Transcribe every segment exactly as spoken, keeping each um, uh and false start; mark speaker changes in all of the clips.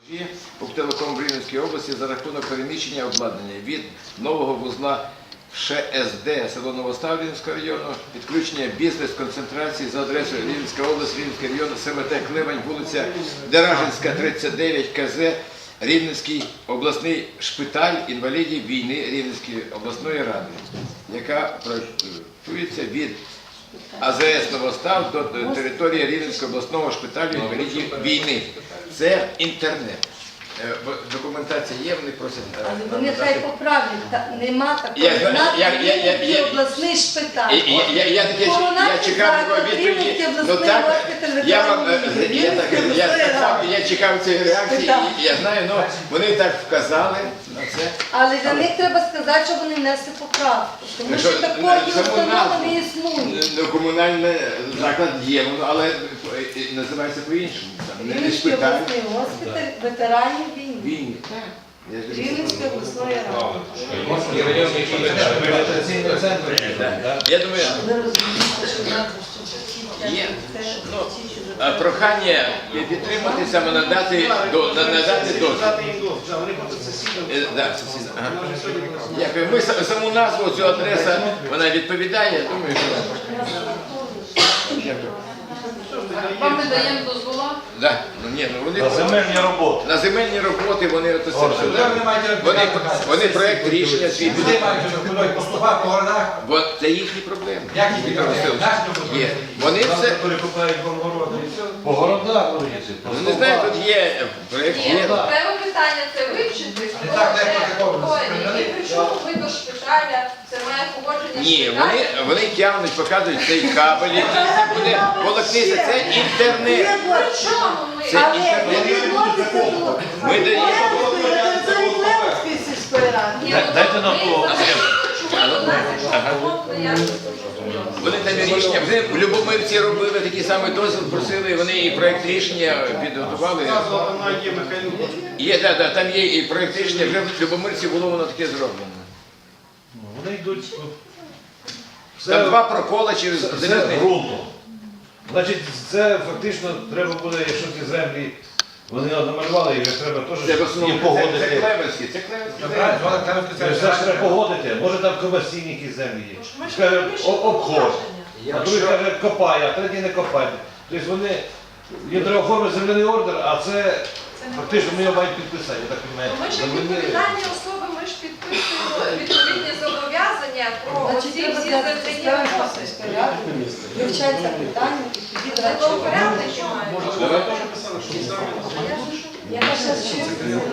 Speaker 1: Уптелеком в Рівненській області за рахунок переміщення обладнання від нового вузла ШСД село Новостав Рівненського району, підключення бізнес-концентрації за адресою Рівненська область, Рівненський район, СМТ Клевань, вулиця Деражинська, тридцять дев'ять, КЗ, Рівненський обласний шпиталь інвалідів війни Рівненської обласної ради, яка проєктується від АЗС Новостав до території Рівненського обласного шпиталю інвалідів війни. Це інтернет. Документація є, вони просять.
Speaker 2: Але вони хай поправлять, нема такої назви обласний шпиталь.
Speaker 1: Я чекав такої відповіді, ну так, я чекав цієї реакції, я знаю, але вони так вказали на це.
Speaker 2: Але для них треба сказати, що вони внесли поправку, тому що такої установи не існує.
Speaker 1: Ну, комунальний заклад є, але називається по-іншому.
Speaker 2: Рівненський обласний госпіталь ветеранів війни.
Speaker 1: Війни.
Speaker 2: Рівненської обласної ради.
Speaker 1: Я думаю, є прохання підтримати, саме надати дозвіл. Дякую. Ми саму назву, цю адресу, вона відповідає, я думаю, що... Дякую.
Speaker 3: Вам не даємо дозвола?
Speaker 1: Да. Ну, ні, ну, вони,
Speaker 4: на земельні роботи.
Speaker 1: На земельні роботи вони от це все. Вони, вони проєкт рішення свій.
Speaker 5: Люди мають поступати по городах.
Speaker 1: Бо це їхні проблеми.
Speaker 5: Як їхні проблеми?
Speaker 1: Є. Вони все...
Speaker 4: Перекупають по городах.
Speaker 1: Ну, не знаю, тут є проєкт.
Speaker 3: Ні, треба питання це вивчити.
Speaker 5: Не так легко
Speaker 3: І причому ви до шпиталя, це має погодження
Speaker 1: Ні,
Speaker 3: шпиталю.
Speaker 1: вони, вони тягнуть, показують цей кабель, який буде волокнися. Це інтернет.
Speaker 3: При чому ми?
Speaker 1: Це інтернет. Ми даємо.
Speaker 4: Дайте нам слово.
Speaker 1: Вони там і рішення, вже в Любомирці робили такий самий дозвіл, просили, вони і проєкт рішення підготували. Є, так, так, там є і проєкт рішення, вже в Любомирці було воно таке зроблено.
Speaker 4: Вони йдуть
Speaker 1: Там два прокола через
Speaker 4: це ґрунтом. Значить, це фактично треба буде, якщо ці землі вони намалювали, їх треба теж їм погодити.
Speaker 1: Це Клевенський, це Клевенський.
Speaker 4: Це ж треба погодити. Може там комерційні якісь землі є. Скаже, обход. А другий каже, копає, а третій не копає. Тобто вони, їм треба оформити земляний ордер, а це фактично ми його мають підписати, я так розумію.
Speaker 3: Ми ж як відповідальні особи, ми ж підписуємо відповідні зобов'язання про оці всі земляні роботи.
Speaker 2: Вивчається питання, і тоді
Speaker 3: Це
Speaker 2: давайте.
Speaker 3: того порядники мають.
Speaker 2: Я зараз чую.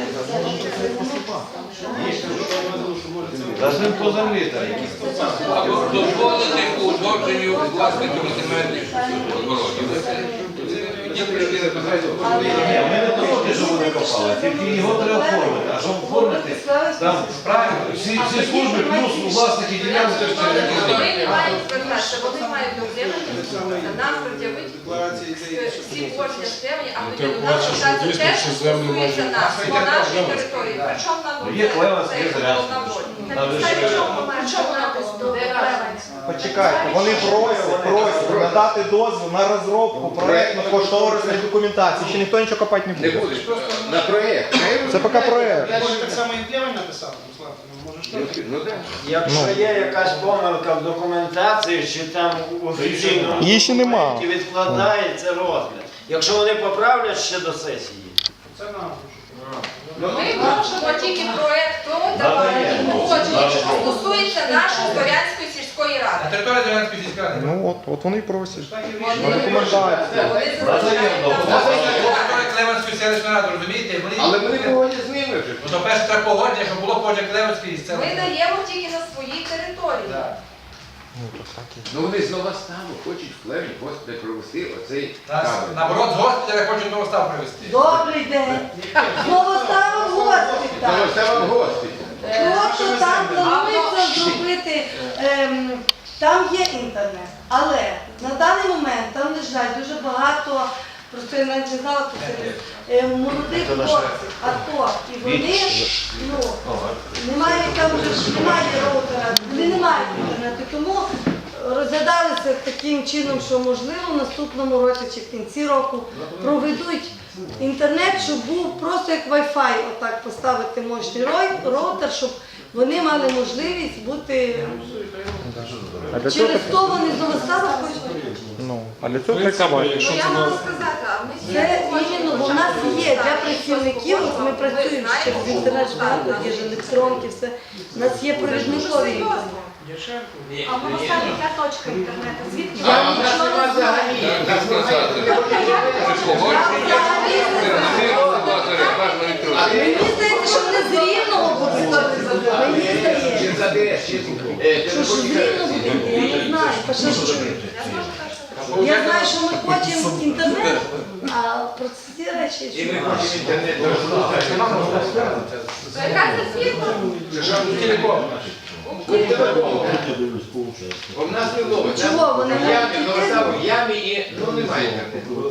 Speaker 4: Навіть по землі так.
Speaker 6: Дозволити по узгодженню власників земельних огородів.
Speaker 4: Ні, ми не проти, що вони копали, тільки його треба оформити. А щоб оформити, там всі служби плюс власники ділянки.
Speaker 3: Вони не мають звертатися, вони мають дозволити нам пред'явити всі кожні стемні, а тоді до нас звертатися те, що стосується нас, по нашій території. Причому нам
Speaker 4: Є Клевенськ, є Зарянськ.
Speaker 3: Причому нам
Speaker 7: Почекайте, вони просять, просять надати дозвіл на розробку проєктно-кошторисної документації. Ще ніхто нічого копати не
Speaker 1: Не
Speaker 7: буде.
Speaker 1: будеш, на проєкт.
Speaker 7: Це поки проєкт.
Speaker 8: Я ж так само і Клевень написав, Руслан, ну може що?
Speaker 1: Ну так.
Speaker 9: Якщо є якась помилка в документації, чи там у офіційному
Speaker 7: Її ще нема.
Speaker 9: документі відкладається розгляд. Якщо вони поправлять ще до сесії.
Speaker 8: Це нам.
Speaker 3: Ми можемо тільки проєкт погодження, що стосується нашої Зорянської сільської
Speaker 5: На
Speaker 3: ради.
Speaker 5: території Зорянської сільської ради.
Speaker 7: Ну от, от вони і просять.
Speaker 3: Вони
Speaker 7: документацію.
Speaker 3: вони зазначають.
Speaker 5: На території Клевенської селищної ради, розумієте? Вони-
Speaker 1: Але вони погодять з ними вже.
Speaker 5: Ну, то перше треба погодження, щоб було погодження Клевенської і
Speaker 3: Ми
Speaker 5: селищної.
Speaker 3: даємо тільки на своїй території.
Speaker 1: Ну вони з Новоставу хочуть в Клевні госпіталь провести оцей
Speaker 5: Нас,
Speaker 1: кабель.
Speaker 5: наоборот, з госпіталя хочуть Новостав привезти.
Speaker 2: Добрий день. Знову ставимо госпіталь.
Speaker 1: Новостава в госпіталь.
Speaker 2: Просто там планується зробити, ем, там є інтернет, але на даний момент там лежать дуже багато, просто я навіть не знала, хто це е, молодих хлопців, АТО, і вони, ну, немає там вже, немає роутера, вони не мають інтернету, тому розглядалися таким чином, що можливо в наступному році чи в кінці року проведуть інтернет, щоб був просто як Wi-Fi, отак поставити мощний рой- роутер, щоб вони мали можливість бути.
Speaker 7: А для цього
Speaker 2: Через то вони з Новостава хочуть.
Speaker 7: ну, а для цього треба.
Speaker 3: Ну, я можу сказати, а ми
Speaker 2: Це іменно, бо в нас є для працівників, от ми працюємо через інтернет, багато є ж електронки, все. У нас є провідникові інтернет.
Speaker 10: А в Новоставі яка точка інтернету? Звідки?
Speaker 2: Я нічого не знаю.
Speaker 6: Так сказати. Погодження, термінова база рекламна електронна.
Speaker 2: Мені здається, що вони з Рівного будуть. Мені здається. Що ж з Рівного буде? Я не знаю. Та що ж ви? Я знаю, що ми хочемо інтернет, а про ці речі.
Speaker 1: І
Speaker 2: що?
Speaker 1: ми хочемо інтернет.
Speaker 3: Яка це фірма?
Speaker 1: Телеком. Бо в нас не ловить.
Speaker 2: Чого вони
Speaker 1: В
Speaker 2: не
Speaker 1: ямі,
Speaker 2: такі
Speaker 1: Новостав, в ямі і ну немає інтернету.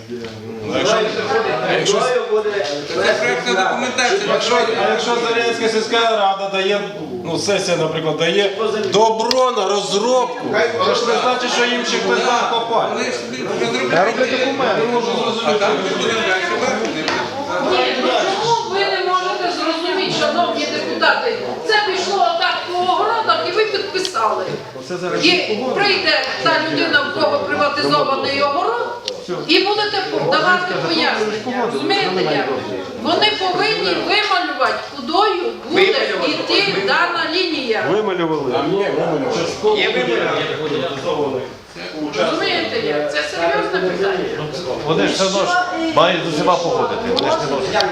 Speaker 6: Це проєктна документація.
Speaker 11: Якщо, а якщо Зарянська сільська рада дає, ну сесія, наприклад, дає добро на розробку, це ж не значить, що їм ще хтось там копає.
Speaker 6: Вони ж розробляють.
Speaker 7: Я роблю документи.
Speaker 11: Не можу
Speaker 6: А
Speaker 11: зрозуміти.
Speaker 6: там ми будемо далі бачити.
Speaker 3: Ні, ну чому ви не можете зрозуміти, шановні депутати? Це пішло отак по огородах і ви підписали. І прийде та людина, в кого приватизований огород, і будете давати пояснення. Розумієте як? Вони повинні вималювати, кудою буде йти дана лінія.
Speaker 11: Вималювали.
Speaker 1: Є вибір.
Speaker 3: Розумієте як? Це серйозне питання.
Speaker 4: Вони ж все одно ж мають з усіма погодити. Вони ж не можуть.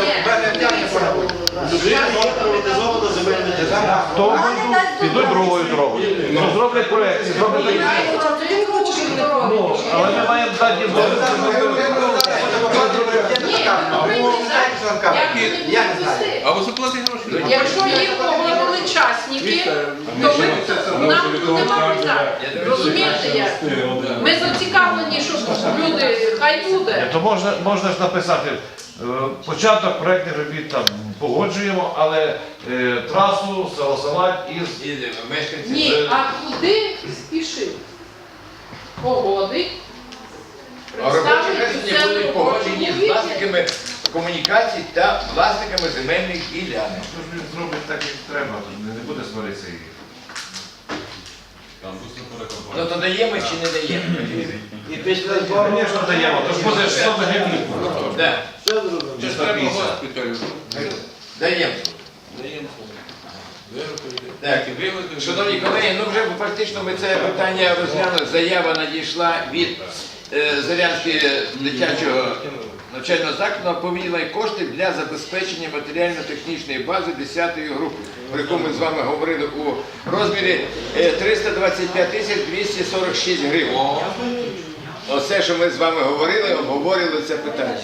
Speaker 4: Хто підуть другою дорогою. Ну, зроблять проєкт, зроблять такі.
Speaker 2: Ти не хочеш, щоб не робити?
Speaker 4: Ну, але ми маємо дати їм
Speaker 6: Або заплати гроші.
Speaker 3: Якщо їх погодили частники, то ми, нам нема питань. Розумієте як? Ми зацікавлені, щоб люди, хай буде.
Speaker 4: То можна, можна ж написати, е, початок проєктних робіт там погоджуємо, але е, трасу согласувати із...
Speaker 1: І мешканці.
Speaker 3: Ні, а куди спішив? Погодить,
Speaker 1: А робочі
Speaker 3: представить
Speaker 1: речення
Speaker 3: усе
Speaker 1: будуть погоджені з
Speaker 3: робочу
Speaker 1: власниками комунікацій та власниками земельних ділянок.
Speaker 4: Що ж він зробить так, як треба, то не буде сваритися їх.
Speaker 1: Ну то даємо чи не даємо?
Speaker 9: І після збору.
Speaker 4: Звісно, даємо, то ж буде сто гривень.
Speaker 1: Да.
Speaker 6: Це ж треба госпіталю.
Speaker 1: Даємо.
Speaker 6: Даємо.
Speaker 1: Так, шановні колеги, ну вже фактично ми це питання розглянули. Заява надійшла від е, Зарянського дитячого навчального закладу по виділенню коштів для забезпечення матеріально-технічної бази десятої групи, про яку ми з вами говорили у розмірі е, триста двадцять п'ять тисяч двісті сорок шість гривень. Оце, що ми з вами говорили, обговорили це питання.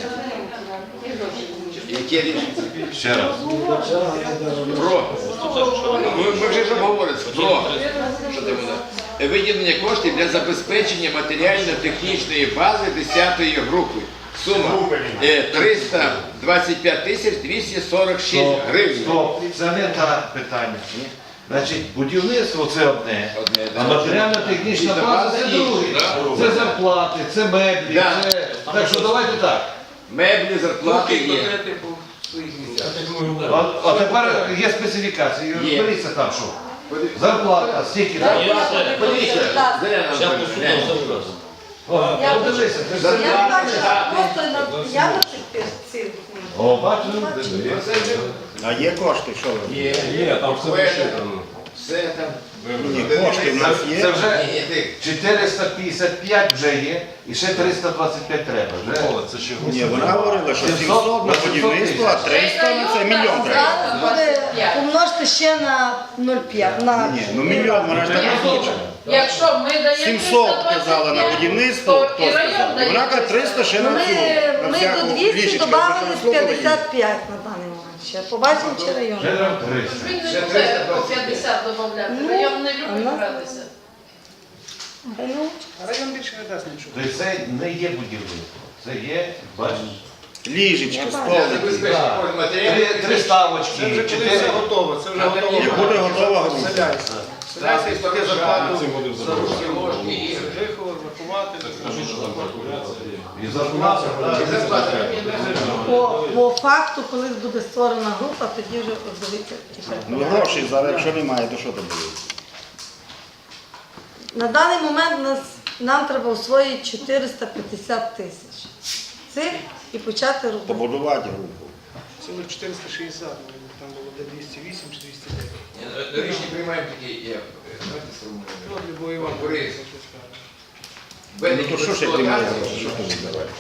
Speaker 1: Яке рішення?
Speaker 4: Ще раз.
Speaker 1: Про. Ми, ми вже ж обговорили. Про. Що там воно? Виділення коштів для забезпечення матеріально-технічної бази десятої групи. Сума е, триста двадцять п'ять тисяч двісті сорок шість гривень.
Speaker 4: Стоп, це не те питання. Значить, будівництво це одне,
Speaker 1: Одне,
Speaker 4: а
Speaker 1: да.
Speaker 4: матеріально-технічна база це друге.
Speaker 6: Да.
Speaker 4: Це зарплати, це меблі,
Speaker 1: Да.
Speaker 4: це... Так що давайте так.
Speaker 1: Меблі, зарплати
Speaker 6: Плати
Speaker 1: є.
Speaker 6: по своїх місцях.
Speaker 4: А, а тепер є специфікації,
Speaker 1: Є.
Speaker 4: розберіться там що. Зарплата, стільки.
Speaker 1: Подивіться, Заряна Анатоліївна,
Speaker 4: О, подивися, ти ж
Speaker 2: Я
Speaker 4: це-
Speaker 2: не бачу, просто на я на цих цих.
Speaker 4: О, бачу.
Speaker 7: А є кошти, що ви?
Speaker 1: Є,
Speaker 11: Є, там все вишитано.
Speaker 1: все там.
Speaker 7: Ні, кошти в нас
Speaker 4: Це
Speaker 7: є.
Speaker 4: вже
Speaker 1: Ні, ти.
Speaker 4: чотириста п'ятдесят п'ять вже є, і ще триста двадцять п'ять треба. Вже.
Speaker 11: Це ще
Speaker 7: Ні, вона говорила, що сімсот на будівництво, а триста на це мільйон треба.
Speaker 2: Зараз буде помножити ще на нуль п'ять. На...
Speaker 7: Ні, ну мільйон, вона ж так не хоче.
Speaker 3: Якщо ми даємо
Speaker 7: сімсот казала на будівництво,
Speaker 3: то
Speaker 7: хто
Speaker 3: і район
Speaker 7: сказав.
Speaker 3: дає.
Speaker 7: Вона каже триста ще
Speaker 2: Ну,
Speaker 7: на
Speaker 2: Ми,
Speaker 7: цю. на
Speaker 2: ми
Speaker 7: всяку
Speaker 2: до двісті
Speaker 7: ліжечку,
Speaker 2: додали
Speaker 7: щоб
Speaker 2: з
Speaker 7: слово дає.
Speaker 2: п'ятдесят п'ять на даний момент. Ще побачимо, чи район.
Speaker 4: Вже треба триста.
Speaker 3: Він
Speaker 1: Ще
Speaker 3: не буде
Speaker 1: триста
Speaker 3: по
Speaker 1: двадцять п'ять.
Speaker 3: п'ятдесят додавати.
Speaker 2: Ну,
Speaker 3: Район не
Speaker 2: а
Speaker 3: любить
Speaker 2: нас-
Speaker 3: гратися.
Speaker 2: Хай ну,
Speaker 8: Район більше не дасть нічого.
Speaker 4: Тобто це не є будівництво. Це є, бачиш,
Speaker 7: Ліжечка,
Speaker 1: Для
Speaker 7: столик.
Speaker 1: забезпечення
Speaker 4: три,
Speaker 1: матеріалів.
Speaker 4: три ставочки,
Speaker 8: Це вже коли
Speaker 4: чотири.
Speaker 8: все готово, це вже готово.
Speaker 7: І буде готова група.
Speaker 8: Селяйся. Селяйся і плати зарплату за руки, ложки, і
Speaker 1: ложки.
Speaker 8: вихову,
Speaker 11: зарплати.
Speaker 1: Скажи, що там калькуляція.
Speaker 4: І зарплата,
Speaker 1: І зарплата.
Speaker 2: По, по факту, коли буде створена група, тоді вже дивіться.
Speaker 8: Ну грошей зараз, якщо немає, то що там буде?
Speaker 2: На даний момент нас, нам треба освоїти чотириста п'ятдесят тисяч цих і почати робити.
Speaker 8: Побудувати групу.
Speaker 7: Цілих чотириста шістдесят, там було де двісті вісім чи двісті дев'ять.
Speaker 1: Рішення приймаємо такі, як, знаєте,
Speaker 7: Ну,
Speaker 1: сформулюємо.
Speaker 7: Любой Іван
Speaker 1: Борис.
Speaker 8: Ну то що ж як немає грошей, що тут давати?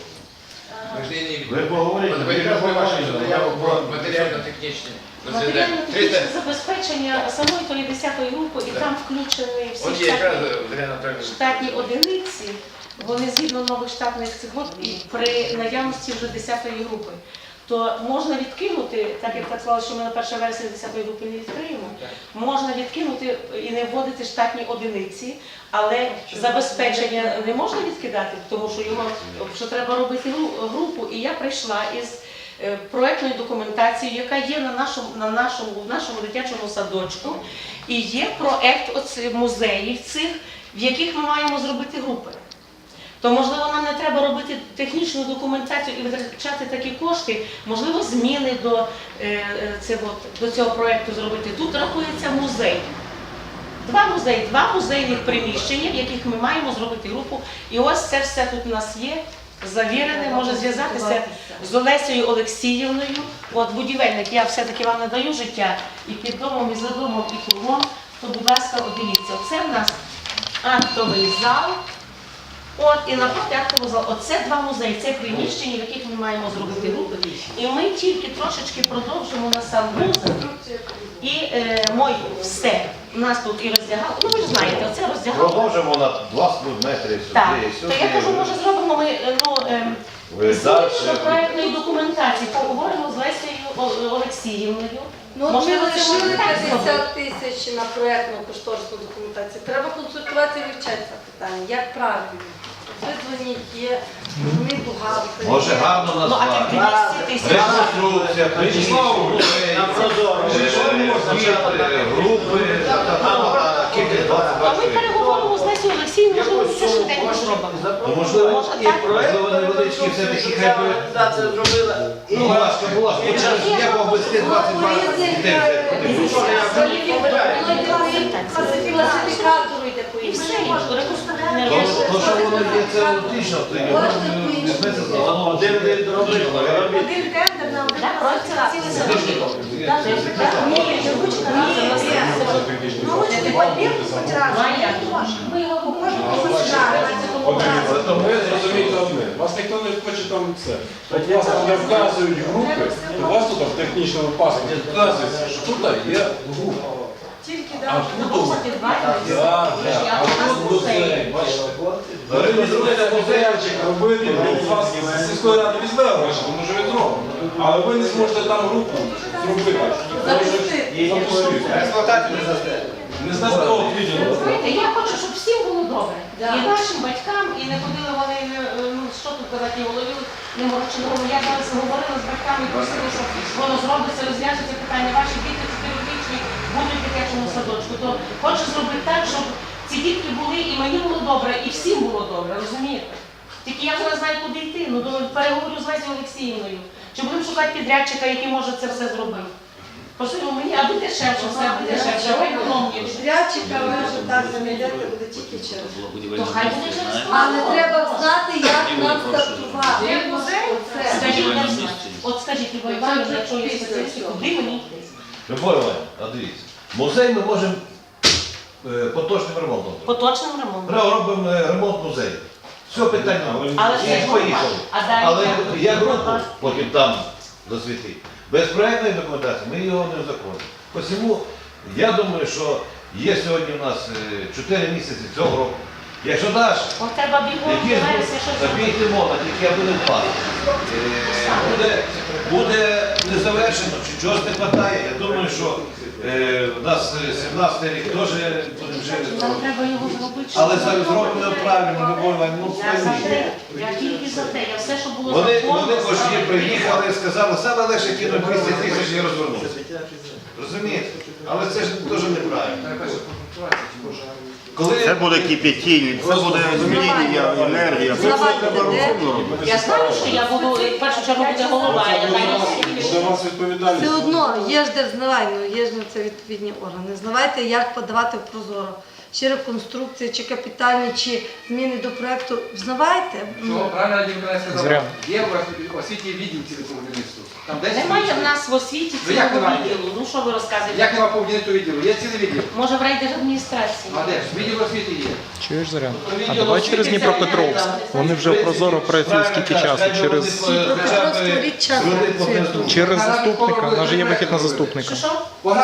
Speaker 4: Ви поговорите,
Speaker 1: Матеріально вашу заяву про матеріально-технічні.
Speaker 10: Матеріально-технічне забезпечення самої тої десятої групи, і там включені всі
Speaker 1: От є якраз
Speaker 10: штатні,
Speaker 1: Дар'я Анатолійовна.
Speaker 10: штатні одиниці, вони згідно нових штатних цих груп і при наявності вже десятої групи. То можна відкинути, так як так сказали, що ми на перше вересня десятої групи не відкриємо, можна відкинути і не вводити штатні одиниці, але забезпечення не можна відкидати, тому що його що треба робити гру- групу. І я прийшла із е, проектною документацією, яка є на нашому, на нашому, в нашому дитячому садочку, і є проект оці- музеїв цих, в яких ми маємо зробити групи. То, можливо, нам не треба робити технічну документацію і витрачати такі кошти, можливо, зміни до, е, е, цього, до цього проєкту зробити. Тут рахується музей. Два музеї, два музейних приміщення, в яких ми маємо зробити групу. І ось це все тут у нас є, завірене, може зв'язатися з Олесею Олексіївною. От будівельник, я все-таки вам надаю життя і під домом, і за домом, і кругом, то, будь ласка, от дивіться, оце в нас актовий зал. От, і напроти актового залу. Оце два музеї, це приміщення, в яких ми маємо зробити групи. І ми тільки трошечки продовжимо на сам музей. І е, мой все. У нас тут і роздягало. Ну ви ж знаєте, оце роздягало.
Speaker 4: продовжимо на два метри
Speaker 10: Так,
Speaker 4: сюди,
Speaker 10: то я кажу, може зробимо ми, е, ну, ем,
Speaker 4: Ви
Speaker 10: зміни
Speaker 4: далі.
Speaker 10: до проєктної документації, поговоримо з Лесею О- Олексіївною.
Speaker 2: Ну, от ми
Speaker 10: Можливо, це
Speaker 2: лишили
Speaker 10: можна так зробити.
Speaker 2: п'ятдесят тисяч на проєктну кошторисну документацію. Треба консультуватися і вивчати це питання. Як правильно? Ви дзвоніть, є, вони бухгалтери.
Speaker 4: Може гарно
Speaker 10: Ну, а тільки
Speaker 4: назвати.
Speaker 10: двісті тисяч.
Speaker 4: Реконструкція, приміщення,
Speaker 9: На прозоро.
Speaker 4: групи, кілька двадцять
Speaker 10: А ми переговоримо з Лесею Олексіївною, можливо, це швиденько зробимо.
Speaker 4: Ну, можливо,
Speaker 10: Може
Speaker 9: І
Speaker 10: так?
Speaker 9: проєктну
Speaker 4: можливо, невеличкі все-таки
Speaker 9: реконструкцію,
Speaker 4: хай би-
Speaker 9: організація зробила. І
Speaker 4: Ну, ласка, будь ласка, як обвести двадцять два дітей?
Speaker 2: Класифікатору йде по
Speaker 10: І все,
Speaker 2: іншому.
Speaker 10: і реконструкція не
Speaker 4: То,
Speaker 10: робиться.
Speaker 4: то, що воно є, це логічно, то його візьметься за голову.
Speaker 9: Один від робити.
Speaker 10: Один тендер на один проект це цілий садочок. Так, так. Ні, ручка разом на садочок. Ну, хочете папір хоч раз? Ми його покажемо, хоч раз.
Speaker 11: Подивіться, то ви зрозумієте одне. Вас ніхто не хоче там це. От вас там не вказують групи, у вас тут в технічному паспорті вказується, що тут є група.
Speaker 2: Тільки
Speaker 11: А тут
Speaker 10: Ну, підвалюється.
Speaker 11: Так, так. А тут музей, бачите. Ви зробите музейчик, робити, у вас з сільської ради візьме гроші, тому що ви зробите. Але ви не зможете там групу зробити.
Speaker 2: Запустити.
Speaker 6: Експлуатацію не застає.
Speaker 11: Не знаю, того відділу.
Speaker 10: Знаєте, я хочу, щоб всім було добре.
Speaker 2: Да.
Speaker 10: І нашим батькам, і не ходили вони, е, ну, що тут казати, не голові, не морочили голову. Я зараз говорила з батьками, просила, що воно зробиться, розв'яжеться питання. Ваші діти чотирирічні будуть в дитячому садочку. То хочу зробити так, щоб ці дітки були, і мені було добре, і всім було добре, розумієте? Тільки я вже не знаю, куди йти. Ну, думаю, переговорю з Лесією Олексіївною. Чи будемо шукати підрядчика, який може це все зробити? Пошли мені, аби дешевше, все аби дешевше, аби економніше.
Speaker 2: Підрядчика ви вже так не знайдете, буде тільки через.
Speaker 10: То хай буде через
Speaker 2: Але треба знати, як нам стартувати.
Speaker 10: Як музей?
Speaker 2: Оце.
Speaker 10: Скажіть, я знаю. От скажіть, Любов Іванівна, якщо є спеціалісти, куди мені йти?
Speaker 4: Любов Іванівна, а дивіться, музей ми можемо е, поточним ремонтом.
Speaker 10: Поточним ремонтом.
Speaker 4: Ми робимо е, ремонт музею. Все питання.
Speaker 10: Але ж це
Speaker 4: І
Speaker 10: ж
Speaker 4: поїхали.
Speaker 10: А далі
Speaker 4: Але
Speaker 10: як?
Speaker 4: я групу потім там засвітив. Без проєктної документації ми його не узаконимо. Посему я думаю, що є сьогодні у нас чотири місяці цього року. Якщо даш,
Speaker 10: От треба бігом
Speaker 4: якісь
Speaker 10: дивитися, що
Speaker 4: забійте мова, тільки я буду впасти. Буде, буде незавершено, чи чогось не вистачає. Я думаю, що Е, У нас сімнадцятий рік теж будемо жити.
Speaker 10: Нам треба його зробити.
Speaker 4: Але
Speaker 10: щоб
Speaker 4: зараз
Speaker 10: було
Speaker 4: зроблено
Speaker 10: добре.
Speaker 4: правильно, Любов Іванівна, ну
Speaker 10: Я за
Speaker 4: пойміть.
Speaker 10: те, я тільки за те, я все, що було
Speaker 4: Вони,
Speaker 10: законно,
Speaker 4: вони кожні
Speaker 10: справедливо.
Speaker 4: приїхали і сказали, саме легше кинуть двісті тисяч і розвернутися. Розумієте? Але це ж дуже неправильно. Коли
Speaker 8: Це буде кипятіння, це буде змінення, енергія. Це все треба розумно робити.
Speaker 10: Я знаю, що я буду, в першу чергу буде голова, я знаю,
Speaker 11: Буде у вас відповідальність.
Speaker 2: Все одно є ж де взнавай, ну є ж на це відповідні органи. Знавайте, як подавати в прозоро. Чи реконструкція, чи капітальні, чи зміни до проекту. Взнавайте.
Speaker 5: Що, правильно Надія Миколаївна сказала? Є у вас в освіті відділ цього будівництва? Там десь
Speaker 10: Немає в
Speaker 5: відділ?
Speaker 10: нас в освіті
Speaker 5: Ну, як
Speaker 10: цілого
Speaker 5: немає?
Speaker 10: відділу. Ну що ви розказуєте?
Speaker 5: Як нема по будівництву відділу? Є цілий відділ.
Speaker 10: Може в райдержадміністрації?
Speaker 5: А де ж? Відділ освіти є.
Speaker 7: Чуєш, Зорян?
Speaker 5: То
Speaker 7: А
Speaker 5: відділ
Speaker 7: давай
Speaker 5: освіти
Speaker 7: через
Speaker 5: це
Speaker 7: Дніпропетровськ. Вони вже в Прозоро працюють скільки часу? Через, через заступника. У нас же є вихід на заступника.
Speaker 10: Що що?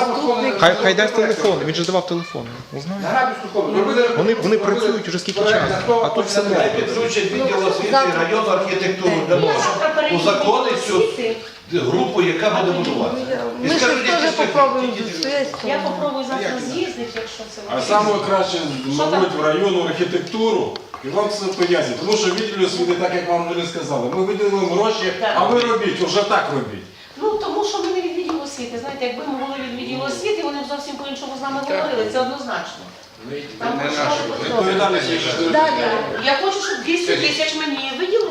Speaker 7: Хай, хай дасть телефон, він же давав телефон. Узнає. Вони, вони працюють уже скільки часу, а тут все
Speaker 4: Хай
Speaker 7: нове.
Speaker 4: підключать відділ освіти і районну архітектуру для
Speaker 10: Я
Speaker 4: того,
Speaker 10: завтра
Speaker 4: щоб
Speaker 10: перейду
Speaker 4: узаконити цю
Speaker 10: освіти.
Speaker 4: групу, яка буде будувати.
Speaker 2: Ми ще теж попробуємо зустріти.
Speaker 10: Я попробую завтра з'їздити, якщо це
Speaker 11: А
Speaker 10: можливо.
Speaker 11: саме краще, мабуть, в районну архітектуру, і вам це пояснять. Тому що відділ освіти, так як вам вже сказали, ми виділили гроші, а ви робіть, вже так робіть.
Speaker 10: Ну, тому що ми не від відділу освіти. Знаєте, якби ми були від відділу освіти, вони б зовсім по-іншому з нами говорили, це однозначно. Там
Speaker 5: Не
Speaker 10: можна
Speaker 5: наше.
Speaker 10: було
Speaker 11: Відповідальність є, що
Speaker 2: Далі.
Speaker 10: Я хочу, щоб двісті тисяч мені виділили.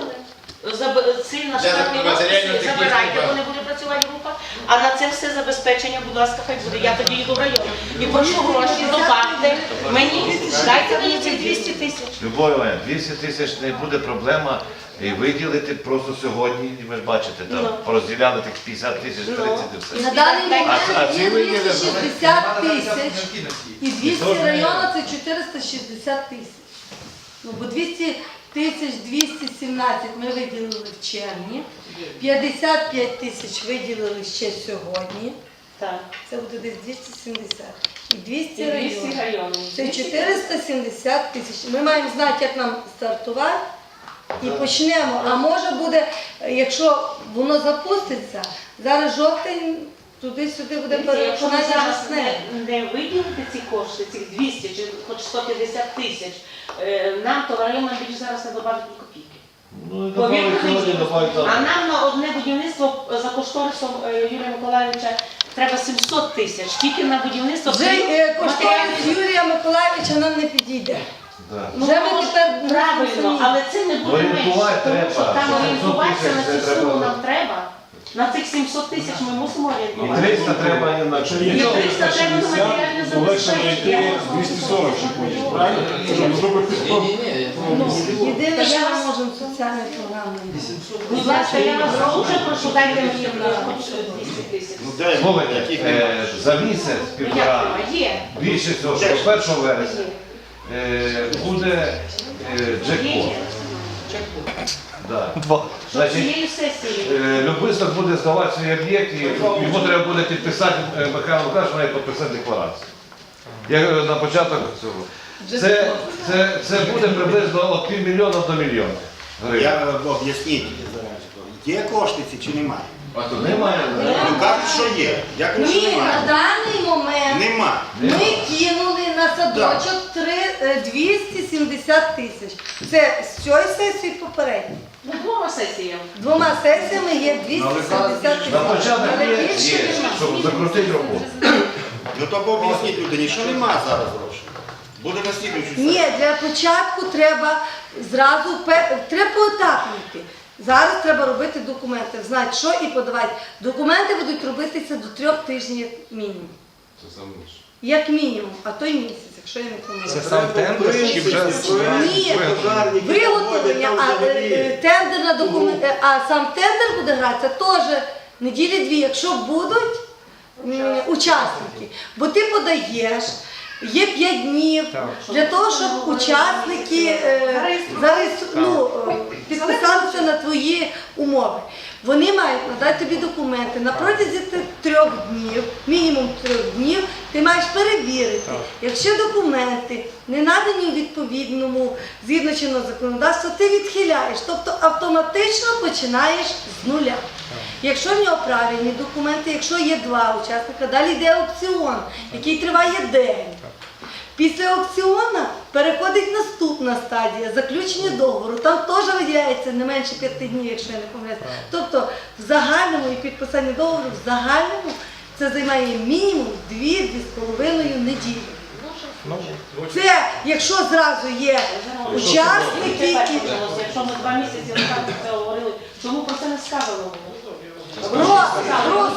Speaker 10: Заб- Ці на штатні розписи забирайте, бо не буде працювати група. А на це все забезпечення, будь ласка, хай буде. Я тоді йду в район. І прошу гроші, добавте мені, дайте мені ці двісті тисяч.
Speaker 4: Любов Іванівна, двісті тисяч не буде проблема і виділити просто сьогодні, ви ж бачите, там
Speaker 10: Ну.
Speaker 4: порозділяли тих п'ятдесят тисяч, тридцять і все.
Speaker 2: На даний момент
Speaker 4: А- а ці
Speaker 2: є
Speaker 4: виділи
Speaker 2: двісті шістдесят тисяч. І двісті районів це чотириста шістдесят тисяч. Ну, бо двісті тисяч двісті сімнадцять ми виділили в червні, п'ятдесят п'ять тисяч виділили ще сьогодні,
Speaker 10: Так.
Speaker 2: це буде десь двісті сімдесят. І двісті
Speaker 10: І двісті
Speaker 2: районів.
Speaker 10: районів.
Speaker 2: Це чотириста сімдесят тисяч. Ми маємо знати, як нам стартувати і почнемо. А може буде, якщо воно запуститься, зараз жовтень, туди-сюди буде
Speaker 10: Дивіться, якщо ми
Speaker 2: переконання
Speaker 10: зараз
Speaker 2: весни.
Speaker 10: не, не виділити ці кошти, цих двісті чи хоч сто п'ятдесят тисяч, е, нам то районам більше зараз не добавить ні копійки.
Speaker 4: Ну, і
Speaker 10: Повірте
Speaker 4: добавить сьогодні,
Speaker 10: мені.
Speaker 4: добавить
Speaker 10: А
Speaker 4: завтра.
Speaker 10: нам на одне будівництво за кошторисом е, Юрія Миколаївича треба сімсот тисяч. Тільки на будівництво
Speaker 2: Вже
Speaker 10: крім
Speaker 2: е, кошторис
Speaker 10: матеріальних-
Speaker 2: Юрія Миколаївича нам не підійде.
Speaker 4: Да.
Speaker 10: Ну,
Speaker 2: Вже ми
Speaker 10: воно ж
Speaker 2: тепер
Speaker 10: правильно,
Speaker 2: самі.
Speaker 10: але це не буде
Speaker 4: Орієнтувати
Speaker 10: менше, тому
Speaker 4: треба,
Speaker 10: що там
Speaker 4: що
Speaker 10: орієнтуватися на
Speaker 4: сімсот
Speaker 10: цю
Speaker 4: тисяч
Speaker 10: суму
Speaker 4: треба.
Speaker 10: нам треба. На цих сімсот тисяч ми мусимо
Speaker 4: І
Speaker 10: орієнтуватися.
Speaker 4: триста треба і на
Speaker 11: Якщо є
Speaker 10: Ні,
Speaker 11: чотириста
Speaker 10: триста треба на матеріальне
Speaker 11: шістдесят, то легше
Speaker 10: забезпечення.
Speaker 11: знайти двісті сорок ще потім, правильно? Щоб зробити
Speaker 2: Ну, єдине, що ми можемо соціальні програми.
Speaker 10: Будь ласка, я вас дуже прошу, дайте мені хоч двісті тисяч.
Speaker 4: Слухайте, е, за місяць,
Speaker 10: Ну, як
Speaker 4: півтора,
Speaker 10: нема? Є.
Speaker 4: більше цього, що до першого вересня е, буде е,
Speaker 10: Є.
Speaker 4: джекпот. Да.
Speaker 7: Два.
Speaker 10: Що
Speaker 4: Значить,
Speaker 10: цією сесією.
Speaker 4: Е, Любисток буде здавати свій об'єкт, і йому треба буде підписати, е, Михайло Лукаш має підписати декларацію. Я говорю, на початок цього. Це, це, це буде приблизно від півмільйона до мільйона гривень.
Speaker 8: Я об'ясніть, є кошти ці чи немає?
Speaker 4: Немає.
Speaker 8: Ну кажуть, що є. Я кажу, що
Speaker 2: Ні, на
Speaker 8: немає.
Speaker 2: даний момент
Speaker 8: Нема.
Speaker 2: ми кинули на садочок три- е, двісті сімдесят тисяч. Це з цієї сесії попередньо.
Speaker 10: Ну, двома сесіями.
Speaker 2: Двома сесіями є двісті сімдесят тисяч.
Speaker 4: На початок
Speaker 2: Але
Speaker 4: є,
Speaker 2: більше
Speaker 4: є,
Speaker 2: нема.
Speaker 4: щоб закрутити роботу.
Speaker 8: Ну то об'ясніть людині, що нема зараз грошей. Буде на слідуючу
Speaker 2: Ні, для початку треба зразу пе- треба поетапно йти. Зараз треба робити документи, знати, що і подавати. Документи будуть робитися до трьох тижнів як мінімум. Як мінімум, а то й місяць, якщо я не помиляюся.
Speaker 7: Це сам тендер чи вже
Speaker 2: Ні, виготовлення, а е, е, тендерна документ, а сам тендер буде гратися теж неділі-дві, якщо будуть м, учасники. Бо ти подаєш, є п'ять днів
Speaker 7: Так.
Speaker 2: для того, щоб учасники е, зареєстру- ну, е, підписалися на твої умови. Вони мають надати тобі документи. На протязі ти- трьох днів, мінімум трьох днів, ти маєш перевірити. Якщо документи не надані у відповідному, згідно чинного законодавства, ти відхиляєш. Тобто автоматично починаєш з нуля. Якщо в нього правильні документи, якщо є два учасника, далі йде аукціон, який триває день. Після аукціону переходить наступна стадія заключення договору. Там теж виділяється не менше п'яти днів, якщо я не помиляюся. Тобто в загальному і підписання договору в загальному це займає мінімум дві-дві з половиною неділі. Це якщо зразу є учасники і
Speaker 10: Якщо ми два місяці назад це говорили, чому про це не сказано?
Speaker 2: Просто, просто